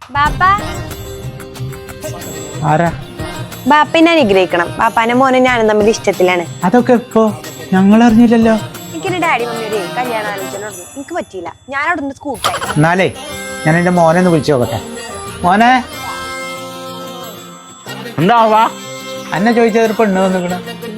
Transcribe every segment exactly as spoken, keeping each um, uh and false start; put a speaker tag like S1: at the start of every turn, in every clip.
S1: ബാപ്പ
S2: ആരാ?
S1: ബാപ്പനെ അനുഗ്രഹിക്കണം. ബാപ്പാന്റെ മോനെ ഞാനും തമ്മിൽ ഇഷ്ടത്തിലാണ്.
S2: അതൊക്കെ ഇപ്പോ ഞങ്ങൾ അറിഞ്ഞില്ലല്ലോ.
S1: എനിക്കൊരു ഡാഡി മമ്മിയുടെ കല്യാണ ആലോചന എനിക്ക് പറ്റിയില്ല. ഞാൻ അവിടെ നിന്ന് സ്കൂട്ടായി.
S2: എന്നാലേ ഞാൻ എന്റെ മോനെ ഒന്ന് വിളിച്ചു നോക്കട്ടെ. മോനെ
S3: എന്താവാ
S2: അന്നെ ചോദിച്ചതൊരു പെണ്ണ് വന്നിക്കണ.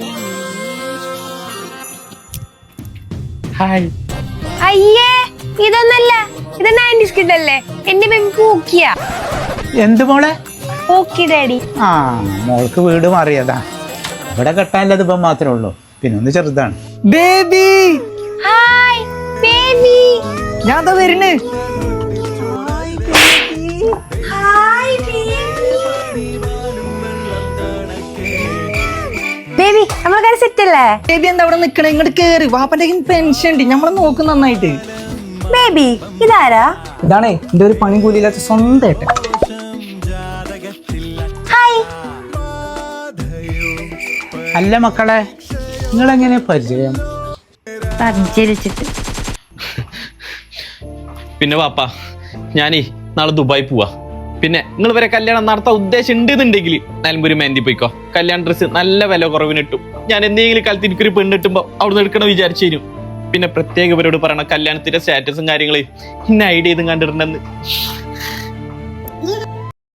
S2: ഹായ്.
S1: അയ്യേ ഇതൊന്നല്ല, ഇത് നയൻറ്റീസ് കിഡ് അല്ലേ? എന്റെ ബേബി പൂക്കിയ.
S2: എന്ത് മോളെ?
S1: Pookie daddy.
S2: ആ മോൾക്ക് വീട് മാറിയതാ. ഇവിടെ കെട്ടാനുള്ളത് ഇപ്പം മാത്രമേ ഉള്ളൂ. പിന്നെ ഒന്ന് ചെറുതാണ്.
S3: Baby
S1: hi baby.
S3: ഞാൻ ദാ വരുന്നു.
S1: Hi baby. നമ്മളെ സെറ്റ് അല്ലേ?
S3: ബേബി എന്താ അവിടെ നിക്കണേ? ഇങ്ങോട്ട് കേറി. വാപ്പന്റെ പെൻഷൻ ഉണ്ട്, നമ്മളെ നോക്കും നന്നായിട്ട്.
S1: ബേബി ഇതാരാ?
S3: ഇതാണേ എന്റെ ഒരു പണി കൂലിയില്ലാത്ത സ്വന്തമായിട്ട്.
S1: ഹായ്.
S2: അല്ല മക്കളെ, നിങ്ങളെങ്ങനെ പരിചയം?
S1: പരിചരിച്ചിട്ട്.
S4: പിന്നെ പാപ്പ ഞാനേ നാളെ ദുബായി പോവാ. പിന്നെ നിങ്ങൾ വരെ കല്യാണം നടത്താൻ ഉദ്ദേശം ഉണ്ടെന്നുണ്ടെങ്കിൽ നിലമ്പൂര് മെഹന്തി പോയിക്കോ. കല്യാണ ഡ്രസ്സ് നല്ല വില കുറവിന് കിട്ടും. ഞാൻ എന്തെങ്കിലും കാലത്ത് എനിക്കൊരു പെണ്ണ് കിട്ടുമ്പോ അവിടെ നിന്ന് എടുക്കണം വിചാരിച്ചു തരും. പിന്നെ പ്രത്യേക ഇവരോട് പറയണം കല്യാണത്തിന്റെ സ്റ്റാറ്റസും കാര്യങ്ങളെ ഇന്ന ഐഡിയ ചെയ്തും കണ്ടിട്ടുണ്ടെന്ന്.